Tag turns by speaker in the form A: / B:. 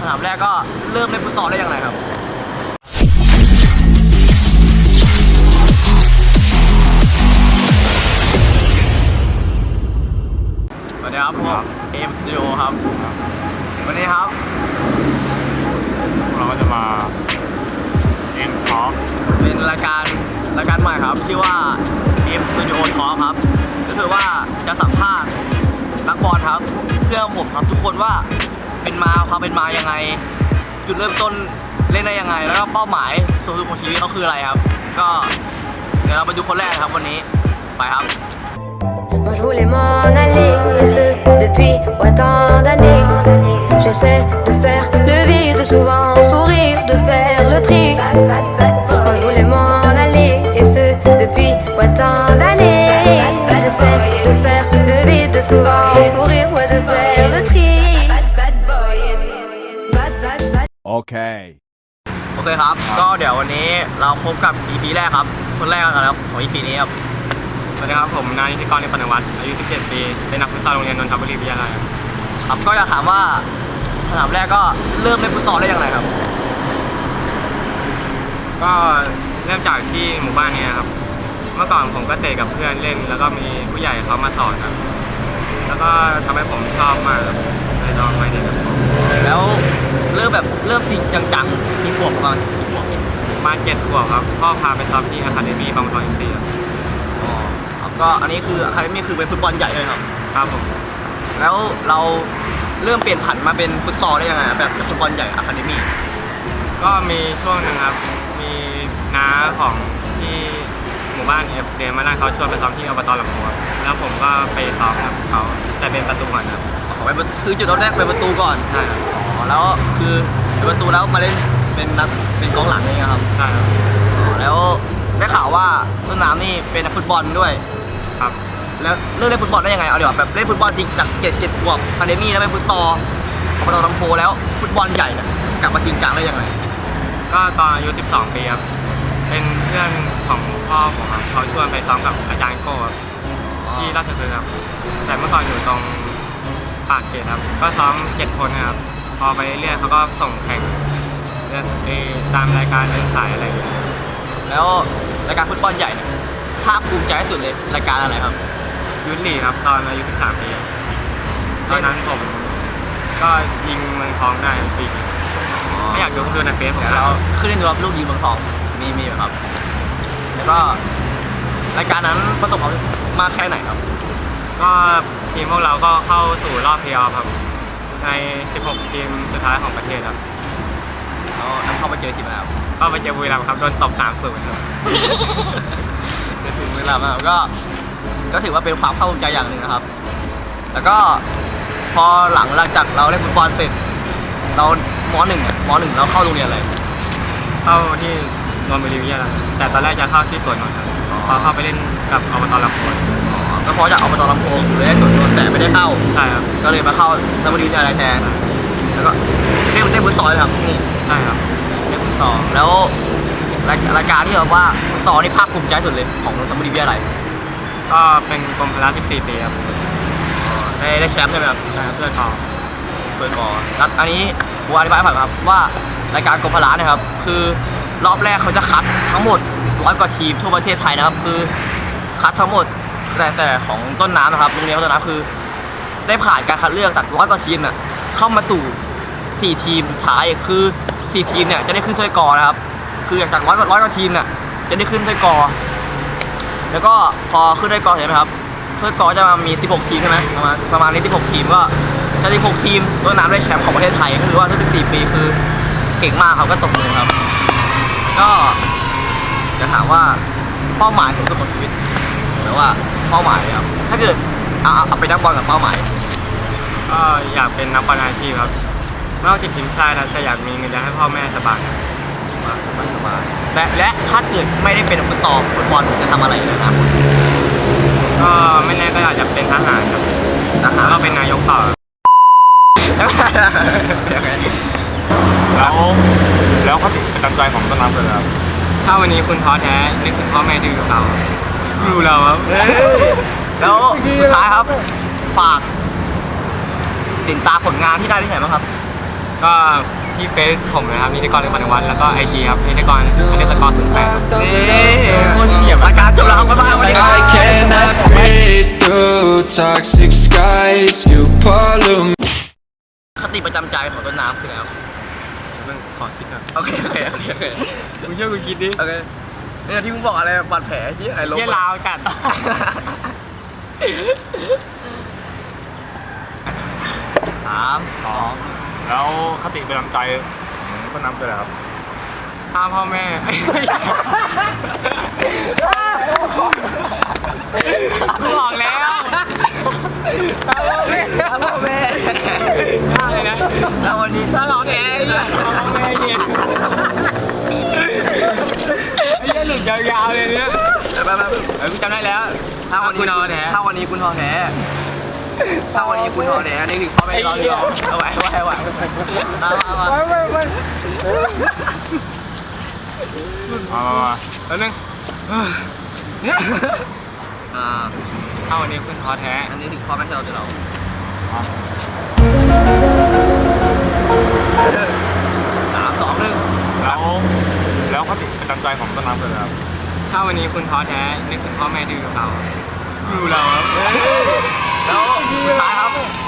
A: ถามแรกก็เริ่มเล่นฟุตซอลได้อย่างไรครับสวัสดีครับผมเอ็มสตูดิโอครับวันนี้ครับ
B: เราก็จะมาเอ็มท็อป
A: เป็นรายการใหม่ครับชื่อว่าเอ็มสตูดิโอท็อปครับก็คือว่าจะสัมภาษณ์นักบอลครับเพื่อนผมครับทุกคนว่าความเป็นมายังไงจุดเริ่มต้นเล่นได้ยังไงแล้วก็เป้าหมายสูงสุดของชีวิตเขาคืออะไรครับก็เดี๋ยวเราไปดูคนแรกครับวันนี้ไปครับ
C: Moi je voulais m'en aller, et ce depuis autant d'années. J'essaie de faire le vide, souvent sourire, de faire le tri. Moi je voulais m'en aller, et ce depuis autant d'années. J'essaie de faire le vide, souvent sourire, ouais, de faire le tri.
B: Okay.
A: โอเคครับก็เดี๋ยววันนี้เราพบกับ EP แรกครับคนแรกกันครับของ EP นี้ครับ
B: สวัสดีครับผมนายนิติกรในปนวัตรอายุ 17 ปีเป็นนักฟุตซอลโรงเรียนนนทบุรีวิทยาลัย
A: ครับก็อยากถามว่าคำถามแรกก็เริ่มเล่นฟุตซอลได้อย่างไรครับ
B: ก็เริ่มจากที่หมู่บ้านนี้ครับเมื่อก่อนผมก็เตะกับเพื่อนเล่นแล้วก็มีผู้ใหญ่เขามาสอนครับแล้วก็ทำให้ผมชอบมากเลยลองมาเล่น
A: แล้วเริ่มจริงจังๆที่ขวบประมาณกี่ขวบ
B: มา7 ขวบครับพ่อพาไปซ้อมที่อะคาเดมี่บางทองอินทรีย์
A: ครับก็อันนี้คืออะคาเดมี่คือเป็นฟุตบอลใหญ่เลยครับ
B: ครับผม
A: แล้วเราเริ่มเปลี่ยนผันมาเป็นฟุตซอลได้ยังไงแบบฟุตบอลใหญ่อะคาเดมี่
B: ก็มีช่วงนึงครับมีน้าของที่หมู่บ้านเรียนมาได้เขาชวนไปซ้อมที่อบต.ลำพูนแล้วผมก็ไปซ้อมกับเขาแต่เป็นประตูก่อนครับ
A: คือจุดแรกเป็นประตูก่อน
B: ใช่ครับ
A: แล้วคือเป็นประตูแล้วมาเล่นเป็นกองหลังเองครับ
B: ใช่ครับ
A: แล้วได้ข่าวว่าต้นน้ำนี่เป็นนักฟุตบอลด้วย
B: ครับ
A: แล้วเริ่มเล่นฟุตบอลได้ยังไงเอาดีกว่าแบบเล่นฟุตบอลจริงจาก7 ขวบอะคาเดมี่แล้วเป็นฟุตซอลอบต.ลำพูนแล้วฟุตบอลใหญ่เนี่ยกลับมาจริงจังได้ยังไง
B: ก็ตอนอายุ12 ปีครับเป็นเพื่อนของพ่อผมครับเขาชวนไปซ้อมกับอาจารย์โก้ที่ราชพฤกษ์ครับแต่เมื่อก่อนอยู่ตรงปากเกร็ดครับก็ซ้อม7 คนนะครับพอไปเรื่อยเขาก็ส่งแข่งตามรายการเดินสายอะไรอย่างเงี้ย
A: แล้วรายการฟุตบอลใหญ่เนี่ยภาคภูมิใจที่สุดเลยรายการอะไรครับ
B: ยุทธลีกครับตอนอายุ13 ปีตอนนั้นผมก็ยิงเมืองทองได้ปีไม่อยากดูในเฟซผม
A: แล้วขึ้นเล่นดูรับลูกยิงเมืองทองมีครับแล้วก็รายการนั้นประสบความสำเร็จมากแค่ไหนครับ
B: ก็ทีมพวกเราก็เข้าสู่รอบเพลย์ออฟครับใน16 ทีมสุดท้ายของประเทศครับ
A: แล้วเข้าไปเจอทีมแล้ว
B: ก็ไปเจอบุรีรัมย์ครับโดนตบ3-0ครับ
A: เจอทีมบุรีรัมย์ก็ถือว่าเป็นความภาคภูมิใจอย่างหนึ่งนะครับแล้วก็พอหลังจากเราเล่นฟุตบอลเสร็จเราม.1เราเข้าโรงเรียนอะไร
B: เข้าที่นนทบุรีวิทยาลัยแต่ตอนแรกจะเข้าที่สวนนนท์ครับพอเข้าไปเล่นกับอบต.ลำพูน
A: ก็เพราะจากอบต.ลำพูนอยู่เลยสวนนนท์แต่ไม่ได้เข้า
B: ใช่ครับ
A: ก็เลยมาเข้านนทบุรีวิทยาลัยแทนแล้วก็เล่นฟุตซอลครับนี่
B: ใช่ครับ
A: เล่นฟุตซอลแล้วรายการที่แบบว่าฟุตซอลนี่ภาคภูมิใจสุดเลยของนนทบุรีวิทยาลัย
B: ก็เป็นกรมพละ14 ปีครับ
A: ได้แชมป์ใช่ไหมครับ
B: ใช่ครับเพื่อนทอง
A: แล้วอันนี้ผมอธิบายให้ฟังครับว่ารายการกรมพละนะครับคือรอบแรกเขาจะคัดทั้งหมด100 กว่าทีมทั่วประเทศไทยนะครับคือคัดทั้งหมดแต่ของต้นน้ำนะครับโรงเรียนต้นน้ำคือได้ผ่านการคัดเลือกจาก100 กว่าทีมน่ะเข้ามาสู่4 ทีมสุดท้ายคือ4 ทีมเนี่ยจะได้ขึ้นถ้วยกอนะครับคือจาก100 กว่าทีมน่ะจะได้ขึ้นถ้วยกอแล้วก็พอขึ้นถ้วยกอเห็นไหมครับถ้วยกอจะมี16 ทีมใช่ไหมประมาณนี้16 ทีมก็จะ16 ทีมต้นน้ำได้แชมป์ของประเทศไทยก็คือว่าทุก14 ปีคือเก่งมากครับก็ตบมือครับก็จะถามว่าเป้าหมายของชีวิตหรือว่าเป้าหมายครับถ้าเกิดเอาไปนักบอลกับเป้าหมาย
B: ก็อยากเป็นนักบอลอาชีพครับนอกจากทีมชาติแล้วจะอยากมีเงินเดือนให้พ่อแม่สบาย
A: และถ้าเกิดไม่ได้เป็นฟุตบอลจะทำอะไรนะครับ
B: ก็ไม่แน่ก็อาจจะเป็นทหารครับก็เป็นนายกต่อ
D: แล้วเขาประจำใจของต้นน้ำเลยครับ
B: ถ้าวันนี้คุณท้อแท้นึกถึงพ่อแม่ที่อยู่กับเราดูเราครับ
A: แล้วสุดท้ายครับฝากติดตามผลงานที่ได้ที่ไหนบ้างครับ
B: ก็ที่เฟซผมนะครับนิติกรเรื่องปฏิวัติแล้วก็ไอจีครับนิติกร_08
A: นี่โคตรเฉียบรายการจบแล้วครับบ๊ายบายสวัสดีครับ
E: I cannot breathe through toxic skies. You pollute me.
A: คติประจำใจของต้นน้ำคืออะไรครับ
B: มึงขอคิดก่อน
A: โอเค
B: มึงช่วยกูคิดดิ
A: โอเคเนี่ยที่มึงบอกอะไรบาดแผลที่ไอ้ลบ
B: เยี่ยลาวกัด
A: 3 2
D: แล้วคติประจำใจของต้นน้ำคืออะไรครับ
B: ฆ่าพ่อแม่ กูบอกแล้วฆ่าพ่อแม่ ฆ่าเลยนะ
A: แล้ววันนี้
B: ถ้าเราแท้เนี่ยฆ่าพ่อแม่เนี่ยไอ้เหี้ยหลุดยาวๆเลยเนี่ย
A: ไปกูจำได้แล้วถ้าวันนี้คุณท้อแท้ถ้าวันนี้คุณท้อแท้นี่ถึงพ่อแม่รออยู่เอาไว้มา
B: แล้วนึง ถ้าวันนี้คุณท้อแท้
A: อันนี้ถึงพ่อแม่ที่เราจะเรา3 2 1
D: แล้วคติประจำใจของต้นน้ำคืออะไรครับ
B: ถ้าวันนี้คุณท้อแท้นึกถึงพ่อแม่ที่อยู่กับเรา อยู่เราครับ
A: แล้วสุดท้ายครับ